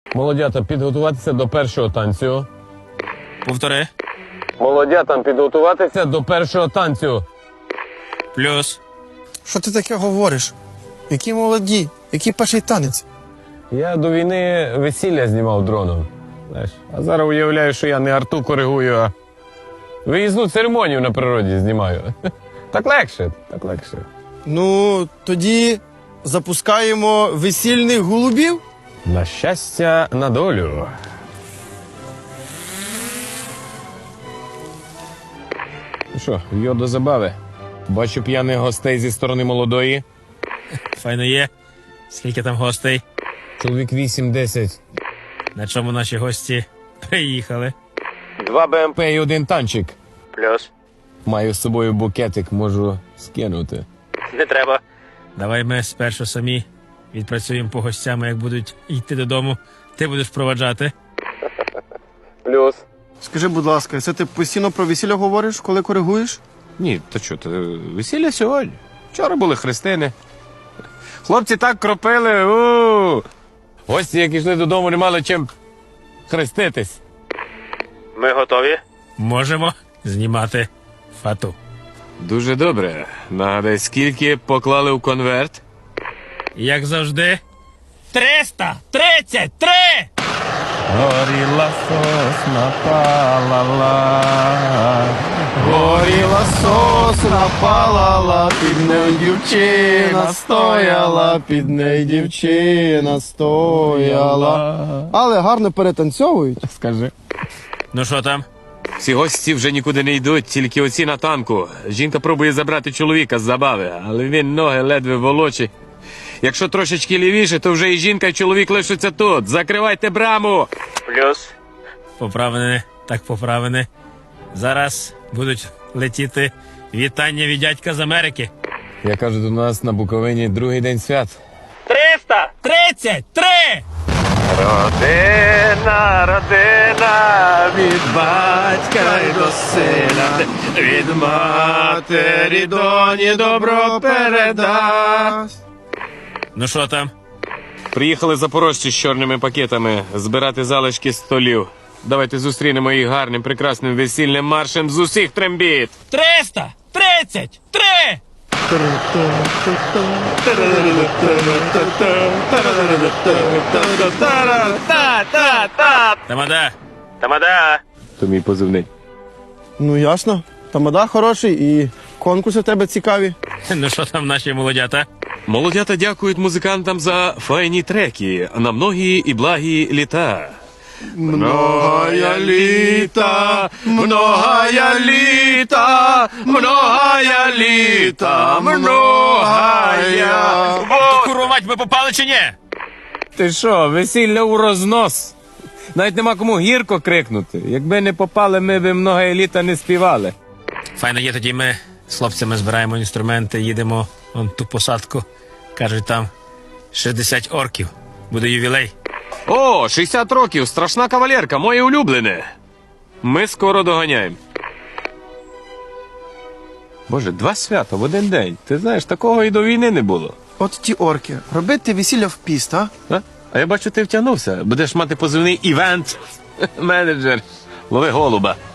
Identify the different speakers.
Speaker 1: Молодята, підготуватися до першого танцю.
Speaker 2: Повтори.
Speaker 1: Молодятам підготуватися до першого танцю.
Speaker 2: Плюс.
Speaker 3: Що ти таке говориш? Які молоді? Який перший танець?
Speaker 1: Я до війни весілля знімав дроном. Знаєш, а зараз уявляю, що я не арту коригую, а виїзну церемонію на природі знімаю. Так легше, так легше.
Speaker 3: Ну, тоді запускаємо весільних голубів.
Speaker 1: На щастя, на долю. Ну що, йо до забави. Бачу п'яних гостей зі сторони молодої.
Speaker 2: Файно є. Скільки там гостей?
Speaker 1: Чоловік 8-10.
Speaker 2: На чому наші гості приїхали?
Speaker 1: 2 БМП і 1 танчик.
Speaker 2: Плюс.
Speaker 1: Маю з собою букетик, можу скинути.
Speaker 2: Не треба. Давай ми спершу самі відпрацюємо по гостям, як будуть йти додому. Ти будеш проваджати.
Speaker 1: Плюс.
Speaker 3: Скажи, будь ласка, це ти постійно про весілля говориш, коли коригуєш?
Speaker 1: Ні, то що, весілля сьогодні. Вчора були хрестини. Хлопці так кропили. Гості, як йшли додому, не мали чим хреститись.
Speaker 2: Ми готові? Можемо знімати фату.
Speaker 1: Дуже добре. Нагадай, скільки поклали в конверт?
Speaker 2: Як завжди. 333!
Speaker 1: Горіла сосна палала, горіла сосна палала, під нею дівчина стояла, під нею дівчина стояла.
Speaker 3: Але гарно перетанцьовують.
Speaker 1: Скажи.
Speaker 2: Ну що там?
Speaker 1: Всі гості вже нікуди не йдуть, тільки оці на танку. Жінка пробує забрати чоловіка з забави, але він ноги ледве волочить. Якщо трошечки лівіше, то вже і жінка, і чоловік лишаться тут. Закривайте браму!
Speaker 2: Плюс. Поправини, так поправини. Зараз будуть летіти вітання від дядька з Америки.
Speaker 1: Я кажу, до нас на Буковині другий день свят.
Speaker 2: 333!
Speaker 1: Родина, родина, від батька й до сина, від матері доні добро передасть.
Speaker 2: Ну що там?
Speaker 1: Приїхали запорожці з чорними пакетами збирати залишки столів. Давайте зустрінемо їх гарним, прекрасним весільним маршем з усіх трембіт.
Speaker 2: 333! Тамада! Тамада!
Speaker 1: То мій позивний.
Speaker 3: Ну, ясно. Тамада хороший і конкурси в тебе цікаві.
Speaker 2: Ну що там наші молодята?
Speaker 1: Молодята дякують музикантам за файні треки на многі і благі літа. Многая літа, многая літа, многая літа, многая.
Speaker 2: Курва мать, ми попали чи ні?
Speaker 1: Ти що, весілля у рознос? Навіть нема кому гірко крикнути. Якби не попали, ми б многая літа не співали.
Speaker 2: Файно є, тоді ми з хлопцями збираємо інструменти, їдемо вон ту посадку. Кажуть, там 60 орків. Буде ювілей.
Speaker 1: О, 60 років, страшна кавалерка, моє улюблене. Ми скоро доганяємо. Боже, 2 свята в один день. Ти знаєш, такого і до війни не було.
Speaker 3: От ті орки. Робити весілля в піст, а?
Speaker 1: А я бачу, ти втягнувся. Будеш мати позивний івент менеджер. Лови голуба.